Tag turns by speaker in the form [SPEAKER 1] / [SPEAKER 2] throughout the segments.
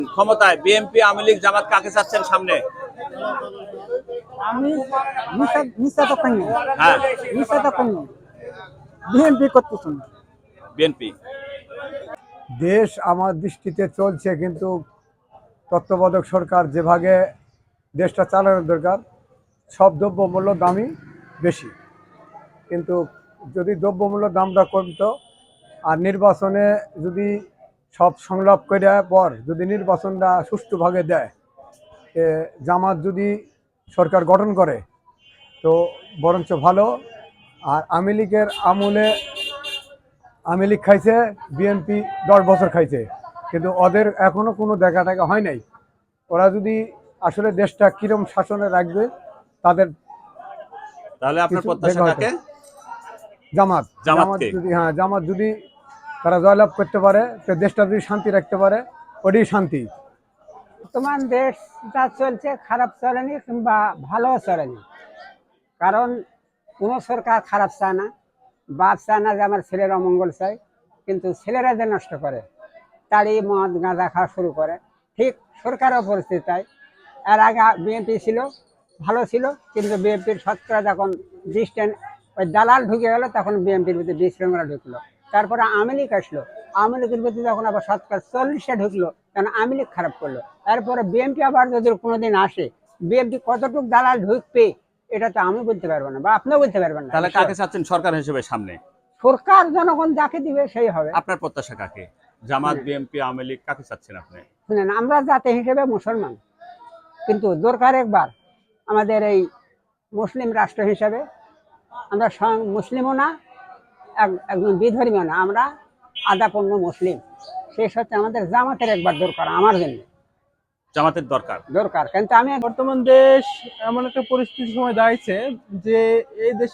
[SPEAKER 1] ক্ষমতায় বিএনপি, আওয়ামী লীগ, জামাত কাকে চাচ্ছেন সামনে?
[SPEAKER 2] আমি নিশ্চয় তখন নেই,
[SPEAKER 1] হ্যাঁ,
[SPEAKER 2] নিশ্চয় তখন নেই, বিএনপি করতেছেন।
[SPEAKER 1] বিএনপি।
[SPEAKER 3] দেশ আমার দৃষ্টিতে চলছে, কিন্তু তত্ত্বাবধায়ক সরকার যেভাবে দেশটা চালানোর দরকার, সব দ্রব্যমূল্য দামই বেশি। কিন্তু যদি দ্রব্যমূল্য দামটা কমতো আর নির্বাচনে যদি সব সংলাপ করে পর যদি নির্বাচনটা সুষ্ঠুভাবে দেয়, জামাত যদি সরকার গঠন করে তো বরঞ্চ ভালো। আর আওয়ামী লীগের আমলে আওয়ামী লীগ খাইছে, বিএনপি 10 বছর খাইছে, কিন্তু ওদের এখনো কোনো দেখা টাকা হয় নাই। ওরা যদি আসলে দেশটা কিরম শাসনে রাখবে, তাদের
[SPEAKER 1] তাহলে আপনার
[SPEAKER 3] কিছু
[SPEAKER 1] প্রত্যাশা
[SPEAKER 3] দেখা
[SPEAKER 1] কাকে?
[SPEAKER 3] হতো। জামাত জামাত
[SPEAKER 1] জামাতকে।
[SPEAKER 3] যদি জামাত যদি তারা জয়লাভ করতে পারে, তো দেশটা যদি শান্তি রাখতে পারে, ওটাই শান্তি।
[SPEAKER 2] বর্তমান দেশ যা চলছে খারাপ চলেনি কিংবা ভালো চলেনি, কারণ কোনো সরকার খারাপ চায় না। বাপ চায় না যে আমার ছেলের অমঙ্গল চাই, কিন্তু ছেলেরা যে নষ্ট করে, তারই মদ গাঁজা খাওয়া শুরু করে। ঠিক সরকারও পরিস্থিতি তাই। এর আগে বিএনপি ছিল, ভালো ছিল, কিন্তু বিএনপির শতকরা যখন ডিস্টেন্স ওই দালাল ঢুকে গেল, তখন বিএনপির ভিতরে বিশৃঙ্খলা ঢুকলো। তারপরে আওয়ামী লীগ আসলো, আওয়ামী লীগের ভিতরে যখন আবার শতকরা 40-এ ঢুকলো, তখন আওয়ামী লীগ খারাপ করলো। তারপরে বিএনপি আবার যদি কোনোদিন আসে, বিএনপি কতটুকু দালাল ঢুকবে এটা তো আমি বলতে পারবো না, বা আপনিও বলতে পারবেন না।
[SPEAKER 1] তাহলে কাকে চাচ্ছেন সরকার হিসেবে সামনে?
[SPEAKER 2] সরকার জনগণ যাকে দিবে সেই হবে।
[SPEAKER 1] আপনার প্রত্যাশা কাকে? জামাত, বিএনপি, আওয়ামী লীগ কাকে চাচ্ছেন আপনি?
[SPEAKER 2] শুনেন, আমরা জাতি হিসেবে মুসলমান, কিন্তু দরকার একবার আমাদের এই মুসলিম রাষ্ট্র হিসেবে আমরা স্বয়ং মুসলিমও না, একজন বিধর্মীয় না, আমরা আদাপূর্ণ মুসলিম। শেষ হচ্ছে আমাদের জামাতের একবার দরকার, আমার জন্য
[SPEAKER 1] জামাতের দরকার।
[SPEAKER 2] দরকার। কিন্তু আমি
[SPEAKER 4] বর্তমান দেশ এমন একটা পরিস্থিতির সময় দাঁড়িয়েছে যে এই দেশে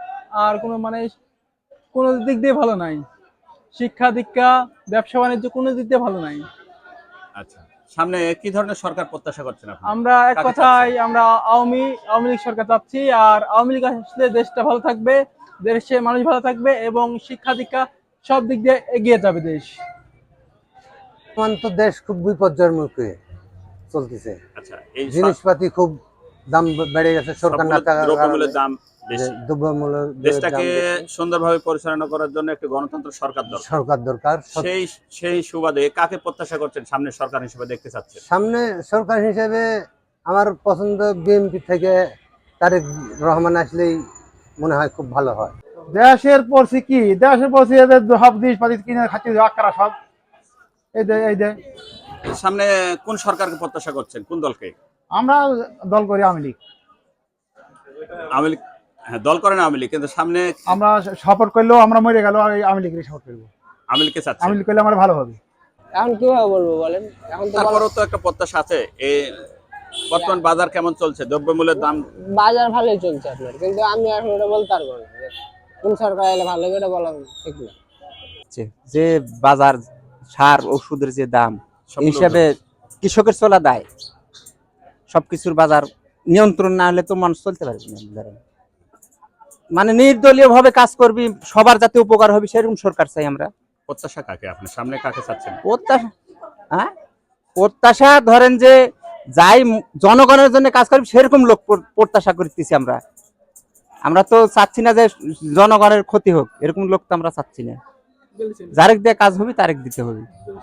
[SPEAKER 4] কোনো দিক দিয়ে ভালো নাই। শিক্ষা দীক্ষা, ব্যবসা বাণিজ্য কোনো দিক দিয়ে ভালো নাই।
[SPEAKER 1] আচ্ছা, সামনে কি ধরনের সরকার প্রত্যাশা করছেন আপনি?
[SPEAKER 4] আমরা এক
[SPEAKER 1] কাকে
[SPEAKER 4] কথায়
[SPEAKER 1] চাচ্ছেন?
[SPEAKER 4] আমরা আওয়ামী লীগ সরকার চাচ্ছি। আর আওয়ামী লীগ আসলে দেশটা ভালো থাকবে, দেশে মানুষ ভালো থাকবে এবং শিক্ষা দীক্ষা সব দিক দিয়ে এগিয়ে যাবে দেশ।
[SPEAKER 5] বর্তমান তো দেশ খুব বিপর্যয়ের মুখে চলতেছে।
[SPEAKER 1] আচ্ছা, এই
[SPEAKER 5] জিনিসপাতি খুব দাম বেড়ে গেছে, সরকার না থাকার
[SPEAKER 1] দ্রব্যমূল্যের
[SPEAKER 5] কারণে
[SPEAKER 1] দাম বেশি।
[SPEAKER 5] দ্রব্যমূল্য
[SPEAKER 1] দেশটাকে সুন্দরভাবে পরিচালনা করার জন্য একটি গণতন্ত্র সরকার দরকার।
[SPEAKER 5] সরকার দরকার।
[SPEAKER 1] সেই সুবাদে কাকে প্রত্যাশা করছেন সামনে সরকার হিসেবে দেখতে চাচ্ছেন?
[SPEAKER 5] সামনে সরকার হিসেবে আমার পছন্দ বিএনপি থেকে তারেক রহমান আসলেই মনে হয় খুব ভালো হয়।
[SPEAKER 3] দেশের পড়ছি কি, দেশের পড়ছি এদের সব জিনিসপাতি কিনে খাচ্ছি আকারা সব। এই দে
[SPEAKER 1] সামনে কোন সরকারকে প্রত্যাশা করছেন, কোন দলকে?
[SPEAKER 3] আমরা দল করি আওয়ামী লীগ।
[SPEAKER 1] আওয়ামী লীগ, হ্যাঁ দল করেন আওয়ামী লীগ, কিন্তু সামনে
[SPEAKER 3] আমরা সাপোর্ট করলেও আমরা মরে গেল আওয়ামী লীগের সাপোর্ট করবো।
[SPEAKER 1] আওয়ামী লীগকে চাচ্ছেন?
[SPEAKER 3] আওয়ামী লীগ করলে আমার ভালো হবে।
[SPEAKER 2] এখন কিভাবে বলবো বলেন, এখন তো
[SPEAKER 1] তারপরেও তো একটা প্রত্যাশা আছে। এই বর্তমান বাজার কেমন চলছে, দ্রব্যমূল্যের দাম?
[SPEAKER 2] বাজার ভালোই চলছে আপনার, কিন্তু আমি এখন এটা বলতে পারবো না যে কোন সরকার এলে ভালো হবে, এটা বলা ঠিক না।
[SPEAKER 6] যে বাজার সার ওষুধের যে দাম
[SPEAKER 1] সবগুলো
[SPEAKER 6] হিসাবে কৃষকের চলা দায়, সবকিছুর বাজার নিয়ন্ত্রণ না হলে তো মানুষ চলতে পারবে না। ধরেন মানে নির্দলীয় ভাবে কাজ করবি, সবার যাতে উপকার হবে সেরকম সরকার চাই আমরা।
[SPEAKER 1] প্রত্যাশা কাকে আপনি সামনে কাকে চাচ্ছেন?
[SPEAKER 6] প্রত্যাশা ধরেন যে যাই জনগণের জন্য কাজ করবি সেরকম লোক প্রত্যাশা করতেছি আমরা। আমরা তো চাচ্ছি না যে জনগণের ক্ষতি হোক, এরকম লোক তো আমরা চাচ্ছি না। যারেক দিয়ে কাজ হবে তারেক দিতে হবে।